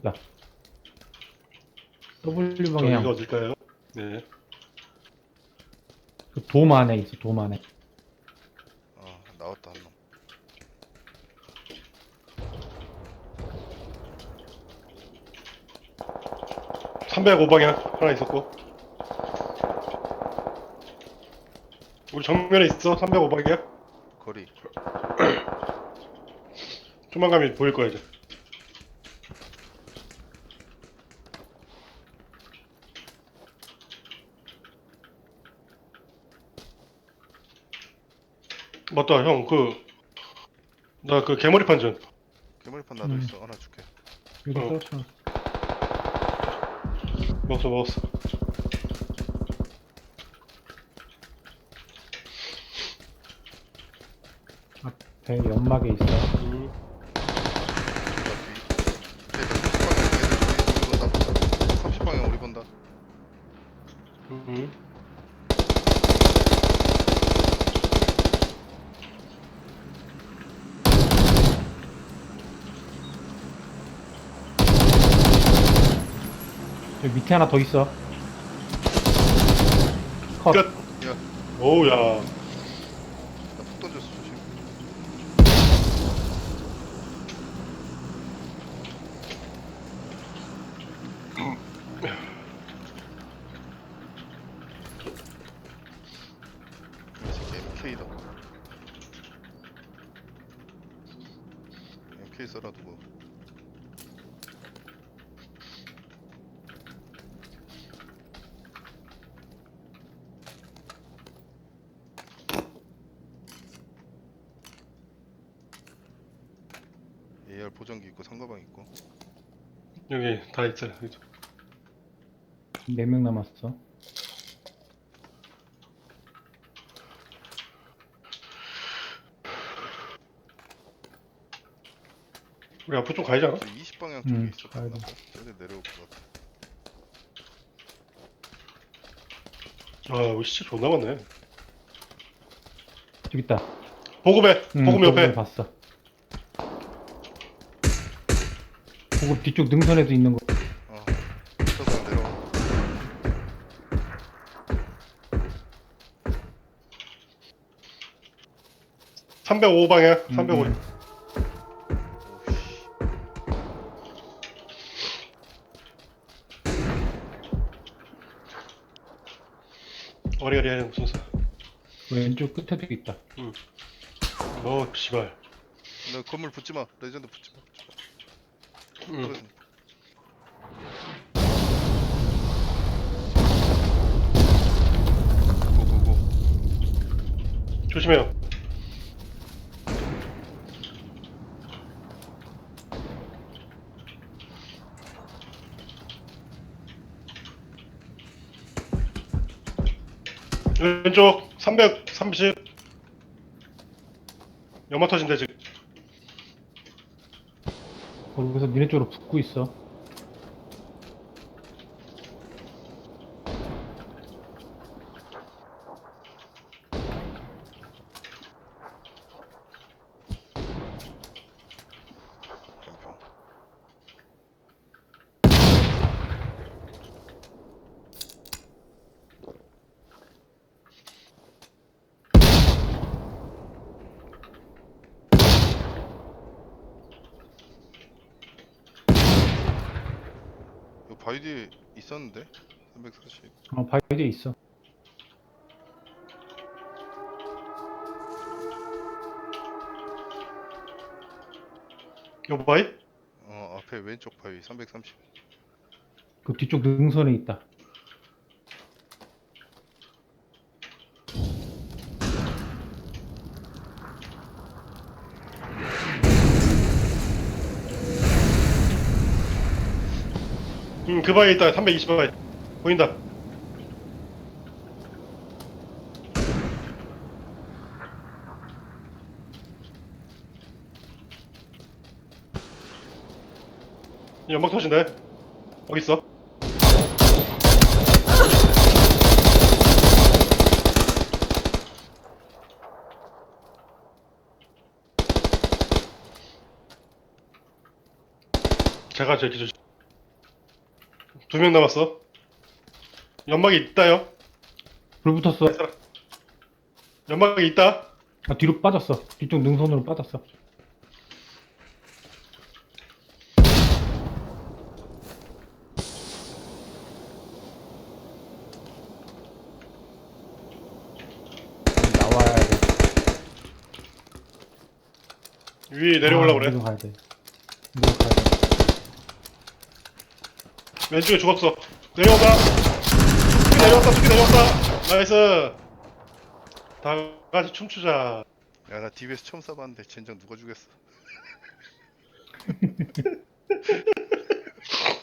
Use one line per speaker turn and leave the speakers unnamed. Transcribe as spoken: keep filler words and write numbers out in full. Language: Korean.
있다. 더블유
저기가
방향.
어딜까요? 네.
그 돔 안에 있어, 돔 안에.
아 나왔다 한 놈.
삼백오 방향 하나 있었고. 우리 정면에 있어. 삼백오 방향.
거리.
좀만 가면 보일 거야 이제. 맞다 형 그 나 그 개머리 판전.
괴물판 나도
음.
있어. 하나 줄게.
여기
어.
떨어져.
먹었어 먹었어.
앞에 연막에 있어.
음.
삼십 방향 우리 본다.
음.
저기 밑에 하나 더 있어. 컷.
끝.
야,
오우야.
나 푹 던졌어 조심. 이 새끼 엠케이다. 엠케이 써놔두고. 에이알 보정기 있고 상가방 있고.
여기 다 있어요. 여기.
네 명 남았어.
우리 앞으로 좀 가야지 않아?
저 이십 방향 쪽에
음,
있었던
가야
거
돼.
같아. 저기 내려올 것 같아.
아 여기 진짜 존나 많네.
저기 있다.
보급에
응,
보급
저번에
옆에.
봤어. 보급 뒤쪽 능선에도 있는 거.
어. 저도 내려와.
삼백오 방향.
음,
삼백오.
음.
오씨.
어리어리해 무슨 사.
왼쪽 끝에도 있다.
어 씨발.
너 건물 붙지 마. 레전드 붙지 마.
응.
떨어진다. 고고고.
조심해요. 왼쪽 삼백삼십. 연마 터진대 지금.
거기서 니네 쪽으로 붙고 있어.
변평. 이거 바위 뒤에 있었는데? 삼백사십.
어, 바위에 있어.
요 바이?
어 앞에 왼쪽 바위 삼백삼십.
그 뒤쪽 능선에 있다.
응, 그 바위에 있다. 삼백이십 바위. 보인다. 연막 터진대. 어디 있어? 제가 저기 저 두 명 남았어. 연막이 있다요.
불 붙었어.
연막이 있다.
아, 뒤로 빠졌어. 뒤쪽 능선으로 빠졌어. 나와야 돼.
위에 내려오려고
아,
그래.
우리도 가야 돼. 우리도 가야 돼.
왼쪽에 죽었어. 내려온다. 저기 내려왔다. 저기 내려왔다. 나이스. 다 같이 춤추자.
야 나 디비에스 처음 쏴봤는데 젠장 누가 죽였어.